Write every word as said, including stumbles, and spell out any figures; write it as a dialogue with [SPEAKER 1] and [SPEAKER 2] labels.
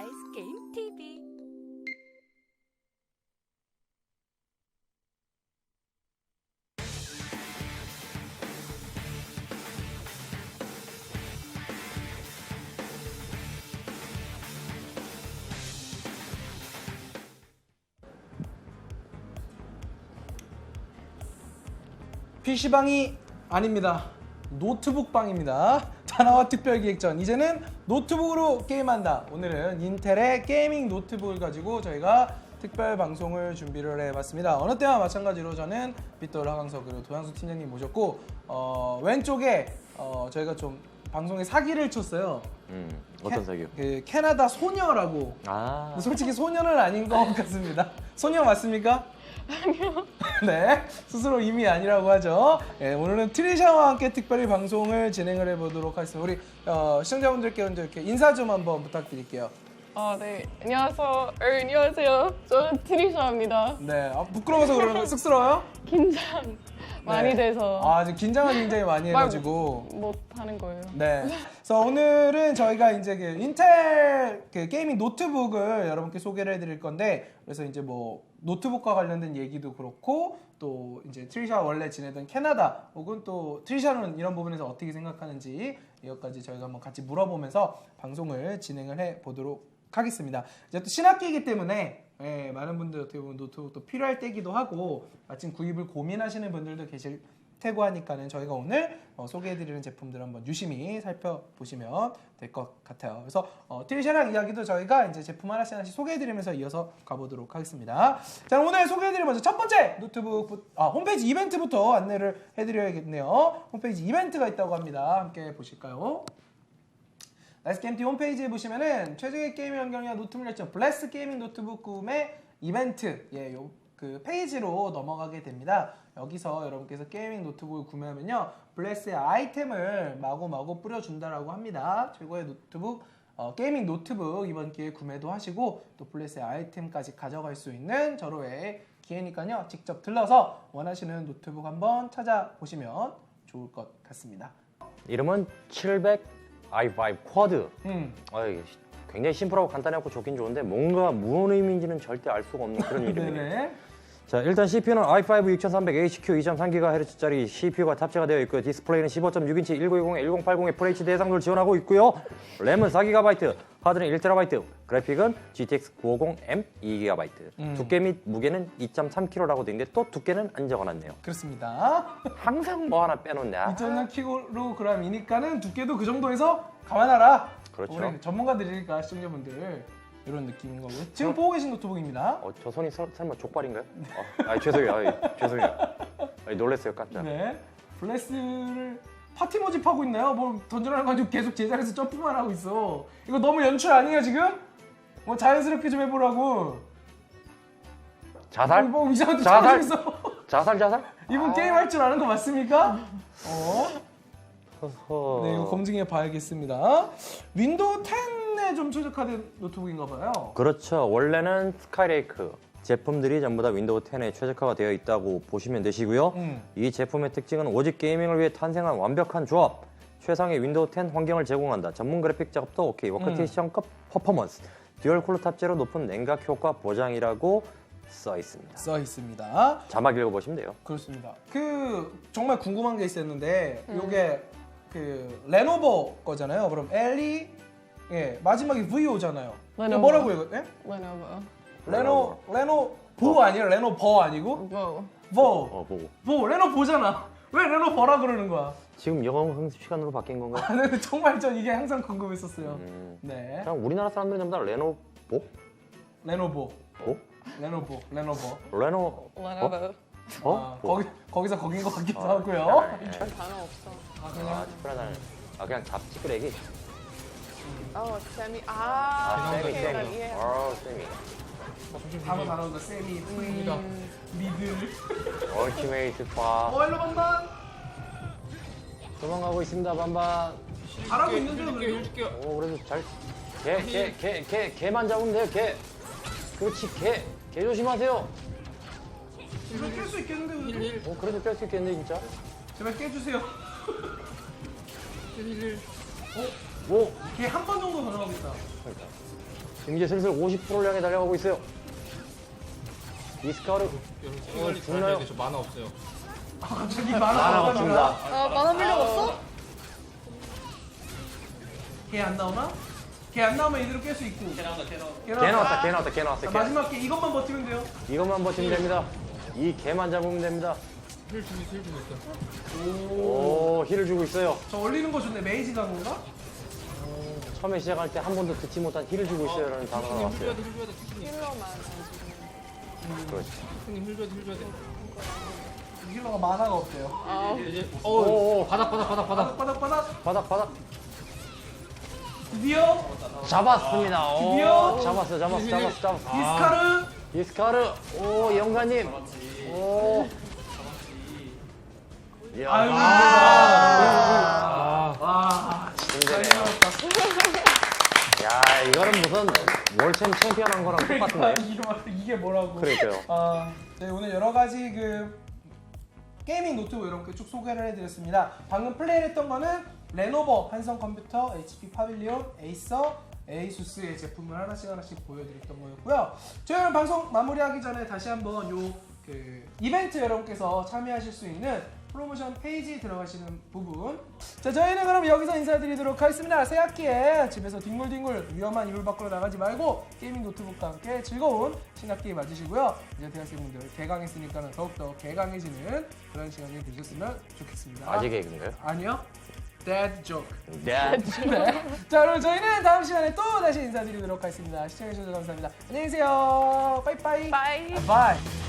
[SPEAKER 1] 나이스 게임 티비.
[SPEAKER 2] 피시방이 아닙니다. 노트북방입니다. 다나와 특별기획전. 이제는 노트북으로 게임한다. 오늘은 인텔의 게이밍 노트북을 가지고 저희가 특별 방송을 준비를 해봤습니다. 어느 때와 마찬가지로 저는 빗돌 하강석 그리고 도양수 팀장님 모셨고 어, 왼쪽에 어, 저희가 좀 방송에 사기를 쳤어요.
[SPEAKER 3] 음, 어떤
[SPEAKER 2] 캐,
[SPEAKER 3] 사기요?
[SPEAKER 2] 그 캐나다 소녀라고.
[SPEAKER 3] 아,
[SPEAKER 2] 근데 솔직히 소녀는 아닌 것 같습니다. 소녀 맞습니까? 아니요. 네, 스스로 이미 아니라고 하죠. 네, 오늘은 트리샤와 함께 특별히 방송을 진행을 해보도록 하겠습니다. 우리 어, 시청자분들께 먼저 이렇게 인사 좀 한번 부탁드릴게요.
[SPEAKER 4] 아, 네. 안녕하세요. 어, 안녕하세요. 저는 트리샤입니다.
[SPEAKER 2] 네, 아, 부끄러워서 그러는 거 쑥스러워요?
[SPEAKER 4] 긴장 많이
[SPEAKER 2] 네.
[SPEAKER 4] 돼서
[SPEAKER 2] 아, 지금 긴장을 굉장히 많이
[SPEAKER 4] 말
[SPEAKER 2] 해가지고.
[SPEAKER 4] 못 하는 거예요.
[SPEAKER 2] 네. 그래서 오늘은 저희가 이제 그 인텔 그 게이밍 노트북을 여러분께 소개를 해드릴 건데, 그래서 이제 뭐 노트북과 관련된 얘기도 그렇고, 또 이제 트리샤 원래 지내던 캐나다, 혹은 또 트리샤는 이런 부분에서 어떻게 생각하는지 이것까지 저희가 한번 같이 물어보면서 방송을 진행을 해 보도록 하겠습니다. 이제 또 신학기이기 때문에 예, 많은 분들 어떻게 보면 노트북도 필요할 때기도 하고 마침 구입을 고민하시는 분들도 계실 테고 하니까는 저희가 오늘 어, 소개해드리는 제품들 한번 유심히 살펴보시면 될 것 같아요. 그래서 어, 트리샤랑 이야기도 저희가 이제 제품 하나씩 하나씩 소개해드리면서 이어서 가보도록 하겠습니다. 자, 오늘 소개해드릴 먼저 첫 번째 노트북 아, 홈페이지 이벤트부터 안내를 해드려야겠네요. 홈페이지 이벤트가 있다고 합니다. 함께 보실까요? 나이스 게임티 홈페이지에 보시면은 최적의 게임 환경이와 노트북 열정 블레스 게이밍 노트북 구매 이벤트 예, 요, 그 페이지로 넘어가게 됩니다. 여기서 여러분께서 게이밍 노트북을 구매하면요 블레스의 아이템을 마구마구 뿌려준다라고 합니다. 최고의 노트북 어, 게이밍 노트북 이번 기회에 구매도 하시고 또 블레스의 아이템까지 가져갈 수 있는 절호의 기회니까요 직접 들러서 원하시는 노트북 한번 찾아보시면 좋을 것 같습니다.
[SPEAKER 3] 이름은 칠백 아이 파이브 쿼드.
[SPEAKER 2] 음.
[SPEAKER 3] 아, 이게 굉장히 심플하고 간단하고 좋긴 좋은데 뭔가 무슨 의미인지는 절대 알 수가 없는 그런 이름이네요.
[SPEAKER 2] 네네.
[SPEAKER 3] 자, 일단 씨피유는 아이 파이브 육삼백 에이치큐 이 점 삼 기가헤르츠짜리 씨피유가 탑재가 되어 있고요. 디스플레이는 십오 점 육 인치 천구백이십, 천팔십 에프에이치디 해상도를 지원하고 있고요. 램은 사 기가바이트, 하드는 일 테라바이트, 그래픽은 지티엑스 구백오십 엠 이 기가바이트.
[SPEAKER 2] 음.
[SPEAKER 3] 두께 및 무게는 이 점 삼 킬로그램라고 되어 있는데 또 두께는 안 적어놨네요.
[SPEAKER 2] 그렇습니다.
[SPEAKER 3] 항상 뭐 하나 빼놓냐?
[SPEAKER 2] 이 점 삼 킬로그램이니까는 두께도 그 정도에서 감안하라.
[SPEAKER 3] 그렇죠.
[SPEAKER 2] 우리 전문가들이니까 시청자분들 이런 느낌인 거고요. 지금 보고 계신 노트북입니다.
[SPEAKER 3] 어, 저 손이 설, 설마 족발인가요? 아, 아이, 죄송해요. 아이, 죄송해요. 아이, 놀랐어요, 깜짝.
[SPEAKER 2] 네. 블레스를 파티 모집하고 있나요? 뭐 던져라는 거 가지고 계속 제자리에서 점프만 하고 있어. 이거 너무 연출 아니에요 지금? 뭐 자연스럽게 좀 해보라고.
[SPEAKER 3] 자살?
[SPEAKER 2] 뭐 이상한 데
[SPEAKER 3] 자살?
[SPEAKER 2] 있어.
[SPEAKER 3] 자살, 자살?
[SPEAKER 2] 이분
[SPEAKER 3] 아.
[SPEAKER 2] 게임 할 줄 아는 거 맞습니까? 어?
[SPEAKER 3] 허허.
[SPEAKER 2] 네, 이거 검증해 봐야겠습니다. 윈도우 텐에 좀 최적화된 노트북인가 봐요.
[SPEAKER 3] 그렇죠. 원래는 스카이레이크 제품들이 전부 다 윈도우 텐에 최적화가 되어 있다고 보시면 되시고요.
[SPEAKER 2] 음.
[SPEAKER 3] 이 제품의 특징은 오직 게이밍을 위해 탄생한 완벽한 조합. 최상의 윈도우 텐 환경을 제공한다. 전문 그래픽 작업도 오케이. 워크테이션급 퍼포먼스. 듀얼 쿨러 탑재로 높은 냉각 효과 보장이라고 써 있습니다.
[SPEAKER 2] 써 있습니다.
[SPEAKER 3] 자막 읽어보시면 돼요.
[SPEAKER 2] 그렇습니다. 그 정말 궁금한 게 있었는데 이게 그 레노버 거잖아요. 그럼 엘이 예 마지막에 V 오잖아요.
[SPEAKER 4] 레노버.
[SPEAKER 2] 뭐라고 이거? 예?
[SPEAKER 4] Lenovo.
[SPEAKER 2] 레노 레노 보 아니에요? 레노버 아니고?
[SPEAKER 4] Vo.
[SPEAKER 2] 버.
[SPEAKER 3] 어, 보고.
[SPEAKER 2] 보 레노버잖아. 왜 레노버라 그러는 거야?
[SPEAKER 3] 지금 영어 학습 시간으로 바뀐 건가요?
[SPEAKER 2] 아, 근데 정말 전 이게 항상 궁금했었어요.
[SPEAKER 3] 음.
[SPEAKER 2] 네.
[SPEAKER 3] 그냥 우리나라 사람들이 전부 다 레노보?
[SPEAKER 2] 레노버.
[SPEAKER 3] 보?
[SPEAKER 2] 레노버. 레노버.
[SPEAKER 3] 레노...
[SPEAKER 4] Lenovo.
[SPEAKER 3] 어?
[SPEAKER 2] 아,
[SPEAKER 3] 보?
[SPEAKER 2] 거기 거기서 거긴 것 같기도
[SPEAKER 3] 어,
[SPEAKER 2] 하고요.
[SPEAKER 3] 네.
[SPEAKER 4] 단어 없어.
[SPEAKER 2] 아, 그냥
[SPEAKER 3] 아, 특별하다는. 아, 그냥 잡지끄레기?
[SPEAKER 4] Oh, semi. 아,
[SPEAKER 3] 아, 세미,
[SPEAKER 4] 오케이,
[SPEAKER 3] 세미.
[SPEAKER 4] 나 이해.
[SPEAKER 3] 어, 세미.
[SPEAKER 2] 단어 단어가 세미, 프리미더, 미들.
[SPEAKER 3] 얼티메이트 파.
[SPEAKER 2] 어, 일로 반반.
[SPEAKER 3] 도망가고 있습니다, 반반.
[SPEAKER 2] 잘하고 있는 줄 그래도.
[SPEAKER 3] 오, 그래도 잘. 개, 개, 개, 개, 개만 잡으면 돼요, 개. 그렇지, 개. 개 조심하세요.
[SPEAKER 2] 이거 깰 수 있겠는데 그래도?
[SPEAKER 3] 어, 그래도 깰 수 있겠네, 진짜.
[SPEAKER 2] 제발 깨주세요.
[SPEAKER 3] 뭐?
[SPEAKER 2] 걔 한 번 정도 더 나오겠다.
[SPEAKER 3] 그러니까. 지금 이제 슬슬 오십 퍼센트를 향해 달려가고 있어요. 이스카르
[SPEAKER 1] 빨리
[SPEAKER 3] 죽나요?
[SPEAKER 1] 저 만화 없어요.
[SPEAKER 2] 아, 갑자기 만화
[SPEAKER 3] 만화가
[SPEAKER 2] 없답니다.
[SPEAKER 3] 없습니다.
[SPEAKER 4] 아, 만화 필요가 없어?
[SPEAKER 2] 걔 안 나오나? 걔 안 나오면 이대로 깰 수 있고. 걔 나왔다, 걔
[SPEAKER 3] 개 나왔다, 개 나왔다, 개 나왔다.
[SPEAKER 2] 자,
[SPEAKER 3] 개.
[SPEAKER 2] 마지막 게 이것만 버티면 돼요.
[SPEAKER 3] 이것만 버티면 됩니다. 이 개만 잡으면 됩니다.
[SPEAKER 1] 힐 주고 힐 주고 있어.
[SPEAKER 3] 오, 힐을 주고 있어요.
[SPEAKER 2] 저 올리는 거 좋네. 메이지 간 건가?
[SPEAKER 3] 처음에 시작할 때 한 번도 듣지 못한 힐을 주고 있어요. 라는 단어가
[SPEAKER 1] 힐 줘야
[SPEAKER 3] 나왔어요.
[SPEAKER 1] 돼, 힐 줘야 돼, 투수님.
[SPEAKER 4] 힐러만.
[SPEAKER 3] 그렇지.
[SPEAKER 1] 투수님 힐 줘야 돼, 힐 줘야 돼.
[SPEAKER 2] 힐러가 만화가 없대요.
[SPEAKER 4] 아,
[SPEAKER 1] 이제
[SPEAKER 3] 오,
[SPEAKER 1] 어
[SPEAKER 3] 오.
[SPEAKER 1] 바닥 바닥 바닥 바닥.
[SPEAKER 2] 바닥, 바닥, 바닥.
[SPEAKER 3] 바닥, 바닥.
[SPEAKER 2] 드디어
[SPEAKER 3] 잡았습니다. 오,
[SPEAKER 2] 드디어.
[SPEAKER 3] 잡았어, 잡았어, 잡았어, 잡았어.
[SPEAKER 2] 이스카르.
[SPEAKER 3] 이스카르. 오, 영가님. 오. 이야.
[SPEAKER 2] 아유,
[SPEAKER 1] 아,
[SPEAKER 2] 와,
[SPEAKER 3] 힘드네요.
[SPEAKER 2] 잘먹었다
[SPEAKER 3] 야, 이거는 무슨 월챔 챔피언 한 거랑 똑같은데.
[SPEAKER 2] 이게, 뭐- 이게 뭐라고?
[SPEAKER 3] 그러니까요.
[SPEAKER 2] 아, 네, 오늘 여러 가지 그 게이밍 노트북 이렇게 쭉 소개를 해드렸습니다. 방금 플레이를 했던 거는 레노버, 한성컴퓨터, 에이치피 파빌리온, 에이서, 에이수스의 제품을 하나씩 하나씩 보여드렸던 거였고요. 저희는 방송 마무리하기 전에 다시 한번 요 그 이벤트 여러분께서 참여하실 수 있는 프로모션 페이지 들어가시는 부분. 자, 저희는 그럼 여기서 인사드리도록 하겠습니다. 새 학기에 집에서 뒹굴뒹굴 위험한 이불 밖으로 나가지 말고 게이밍 노트북과 함께 즐거운 신학기 맞으시고요. 이제 대학생분들 개강했으니까는 더욱더 개강해지는 그런 시간이 되셨으면 좋겠습니다.
[SPEAKER 3] 아직 개그인가요?
[SPEAKER 2] 아니요. Dead joke.
[SPEAKER 3] 네.
[SPEAKER 2] 네. 자, 그럼 저희는 다음 시간에 또 다시 인사드리도록 하겠습니다. 시청해주셔서 감사합니다. 안녕히 계세요. 빠이빠이.
[SPEAKER 4] 바이.
[SPEAKER 2] 바이.